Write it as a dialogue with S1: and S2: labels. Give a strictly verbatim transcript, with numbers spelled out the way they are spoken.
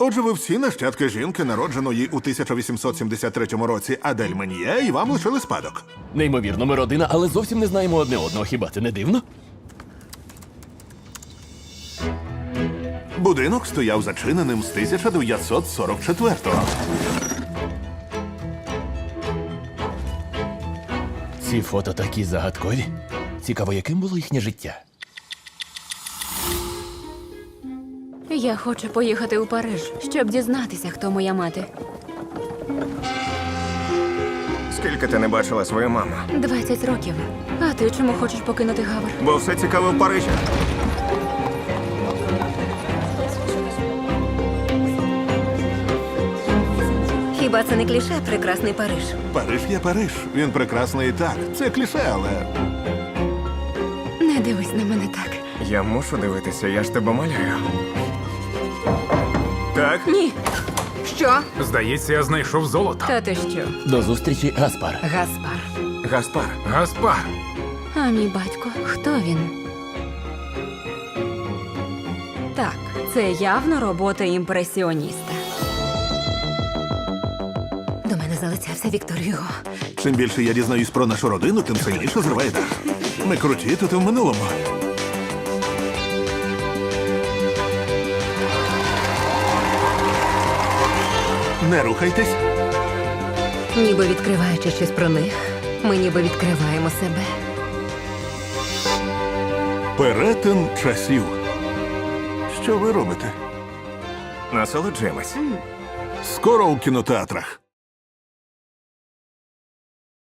S1: Отже, ви всі нащадки жінки, народженої у тисяча вісімсот сімдесят третьому році Адель Мен'є, і вам лишили спадок.
S2: Неймовірно, ми родина, але зовсім не знаємо одне одного. Хіба це не дивно?
S1: Будинок стояв зачиненим з тисяча дев'ятсот сорок четвертого.
S2: Ці фото такі загадкові. Цікаво, яким було їхнє життя?
S3: Я хочу поїхати у Париж, щоб дізнатися, хто моя мати.
S4: Скільки ти не бачила свою маму?
S3: Двадцять років. А ти чому хочеш покинути Гавр?
S4: Бо все цікаве в Парижі.
S3: Хіба це не кліше прекрасний Париж?
S1: Париж є Париж. Він прекрасний і так. Це кліше, але
S3: Не дивись на мене так.
S4: Я мушу дивитися, я ж тебе малюю. Так?
S3: Ні. Що?
S5: Здається, я знайшов золото.
S3: Та ти що?
S2: До зустрічі, Гаспар.
S3: Гаспар.
S4: Гаспар.
S5: Гаспар.
S3: А мій батько, хто він? Так, це явно робота імпресіоніста. До мене залицявся Віктор Юго.
S1: чим більше я дізнаюсь про нашу родину, тим сильніше зриває дах. Ми круті тут і в минулому. Не рухайтесь.
S3: Ніби відкриваючи щось про них, ми ніби відкриваємо себе.
S1: Перетин часів. Що ви робите?
S4: Насолоджуємось.
S1: Скоро у кінотеатрах.